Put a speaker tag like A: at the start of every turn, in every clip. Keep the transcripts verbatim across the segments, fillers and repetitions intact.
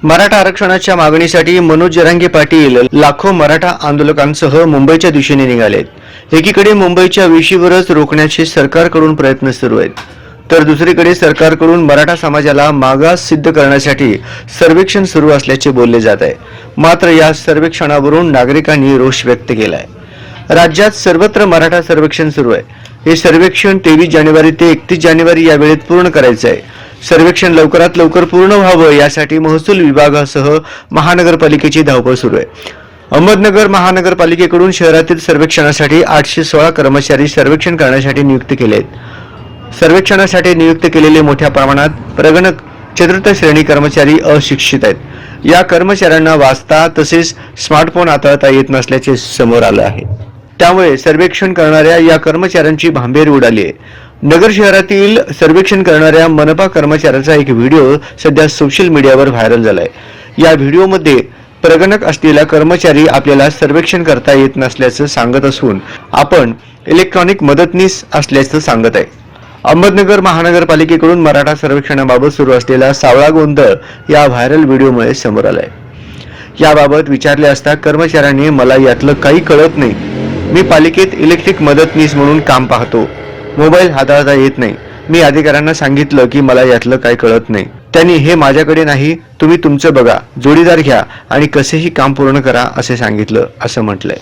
A: मराठा आरक्षणाच्या मागणीसाठी मनोज जरांगे पाटील लाखो मराठा आंदोलकांसह मुंबईच्या दिशेने निघालेत। एकीकडे मुंबईच्या वेशीवरच रोखण्याचे सरकारकडून प्रयत्न सुरू आहेत, तर दुसरीकडे सरकारकडून मराठा समाजाला मागास सिद्ध करण्यासाठी सर्वेक्षण सुरू असल्याचे बोलले जात आहे। मात्र या सर्वेक्षणावरून नागरिकांनी रोष व्यक्त केला आहे। राज्यात सर्वत्र मराठा सर्वेक्षण सुरू आहे। हे सर्वेक्षण तेवीस जानेवारी ते एकतीस जानेवारी या वेळेत पूर्ण करायचे आहे। सर्वेक्षण लवकरात लवकर पूर्ण व्हावं यासाठी महसूल विभागासह महानगरपालिकेची धावपळ सुरू आहे। अहमदनगर महानगरपालिकेकडून शहरातील सर्वेक्षणासाठी आठशे सोळा कर्मचारी सर्वेक्षण करण्यासाठी नियुक्त केले आहेत। सर्वेक्षणासाठी नियुक्त केलेले मोठ्या प्रमाणात प्रगणक चतुर्थ श्रेणी कर्मचारी अशिक्षित आहेत। या कर्मचाऱ्यांना वाचता तसेच स्मार्टफोन हाताळता येत नसल्याचे समोर आलं आहे। त्यामुळे सर्वेक्षण करणाऱ्या या कर्मचाऱ्यांची भांबेर उडाली आहे। नगर शहरातील सर्वेक्षण करणाऱ्या मनपा कर्मचाऱ्याचा एक व्हिडिओ सध्या सोशल मीडियावर व्हायरल झालाय। या व्हिडिओमध्ये प्रगणक असलेला कर्मचारी आपल्याला सर्वेक्षण करता येत नसल्याचं सांगत असून आपण इलेक्ट्रॉनिक मदतनीस असल्याचं सांगत आहे। अहमदनगर महानगरपालिकेकडून मराठा सर्वेक्षणाबाबत सुरू असलेला सावळा गोंधळ या व्हायरल व्हिडिओमुळे समोर आलाय। याबाबत विचारले असता कर्मचाऱ्यांनी मला यातलं काही कळत नाही, मी पालिकेत इलेक्ट्रिक मदतनीस म्हणून काम पाहतो, मोबाईल हाताळता येत नाही, मी अधिकाऱ्यांना सांगितलं की मला यातलं काही कळत नाही, त्यांनी हे माझ्याकडे नाही, तुम्ही तुमचं बघा, जोडीदार घ्या आणि कसेही काम पूर्ण करा असे सांगितलं असं म्हटलंय।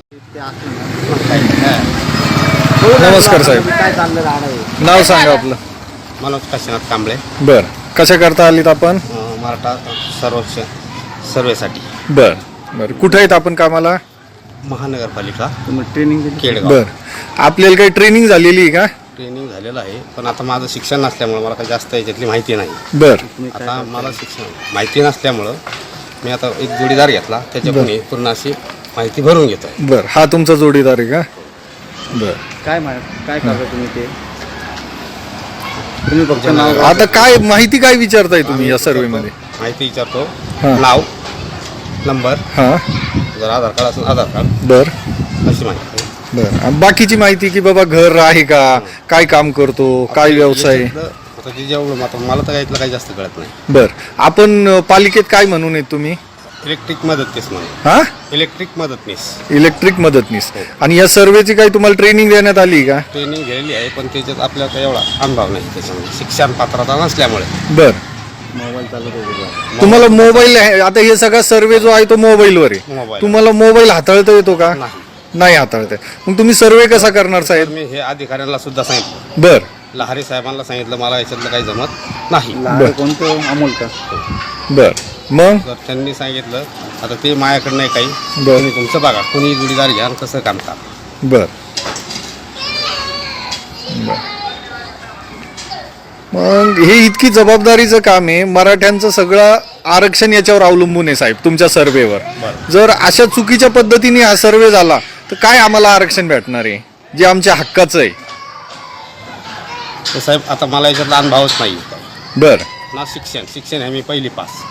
B: नमस्कार साहेब, नाव सांगा आपलं?
C: मनोज काशीनाथ कांबळे।
B: बर, कशा करता आलीत आपण?
C: अं, मराठा सर्वेक्षण सर्वेसाठी।
B: बर बर, कुठे आहेत आपण कामाला?
C: महानगरपालिका ट्रेनिंग केडगाव।
B: बर, आपल्याला काही ट्रेनिंग झालेली आहे का?
C: ट्रेनिंग झालेलं आहे, पण आता माझं शिक्षण नसल्यामुळं मला काही जास्त याच्यातली माहिती नाही।
B: बर,
C: आता मला शिक्षण माहिती नसल्यामुळं मी आता एक जोडीदार घेतला, त्याच्याकडून पूर्ण अशी माहिती भरून घेतो आहे।
B: बर, हा तुमचा जोडीदार आहे का? बर,
D: काय काय करता तुम्ही ते? तुम्ही फक्त नाव
B: आता काय माहिती काय विचारताय तुम्ही या सर्वे मध्ये?
C: माहिती विचारतो,
B: हां.
C: नाव, नंबर,
B: हा,
C: जर आधार कार्ड असेल आधार कार्ड,
B: बर
C: अशी माहिती।
B: बर, आणि बाकीची माहिती की बाबा घर आहे का, काय काम करतो, काय व्यवसाय?
C: आता जे जेवढं आता मला तर यातलं काही जास्त कळत नाही।
B: बर, आपण अ, पालिकेत काय म्हणून आहेत तुम्ही?
C: इलेक्ट्रिक मदतनीस म्हणून।
B: हा,
C: इलेक्ट्रिक मदतनीस
B: इलेक्ट्रिक मदतनीस। आणि या सर्वेची काही तुम्हाला ट्रेनिंग देण्यात आली का?
C: ट्रेनिंग घेतलेली आहे, पण त्याच्यात आपल्याला काही एवढा अनुभव नाही, त्याच्यामुळे शिक्षण पात्रता नसल्यामुळे।
B: बर,
D: मोबाईल चालू करू
B: तुम्हाला मोबाईल आहे, आता हे सगळा सर्वे जो आहे तो मोबाईलवर आहे,
C: मोबाईल
B: तुम्हाला मोबाईल हाताळता येतो का?
C: नाही।
B: नाही हाताळता येत. मग तुम्ही सर्वे कसा करणार
C: तर
B: साहेब?
C: मी हे अधिकाऱ्यांना सुद्धा सांगितलं,
B: बर
C: लहारी साहेबांना सांगितलं, मला याच्यातलं काही जमत नाही।
D: लहान कोणतं अमोल का?
B: बर, मग
C: तर त्यांनी सांगितलं आता ते माझ्याकडे नाही काही,
B: बर.
C: तुम्ही तुमचं बघा, कोणी जोडीदार घ्या आणि कसं काम करा।
B: बर बर. मग हे इतकी जबाबदारीचं काम आहे, मराठ्यांचं सगळं आरक्षण याच्यावर अवलंबून आहे साहेब, तुमच्या सर्वेवर। जर अशा चुकीच्या पद्धतीने हा सर्वे झाला तर काय आम्हाला आरक्षण भेटणार आहे जे आमच्या हक्काचं आहे?
C: तर साहेब आता मला याच्यातला अनुभवच नाही,
B: बर
C: ना शिक्षण शिक्षण आहे मी पहिली पास,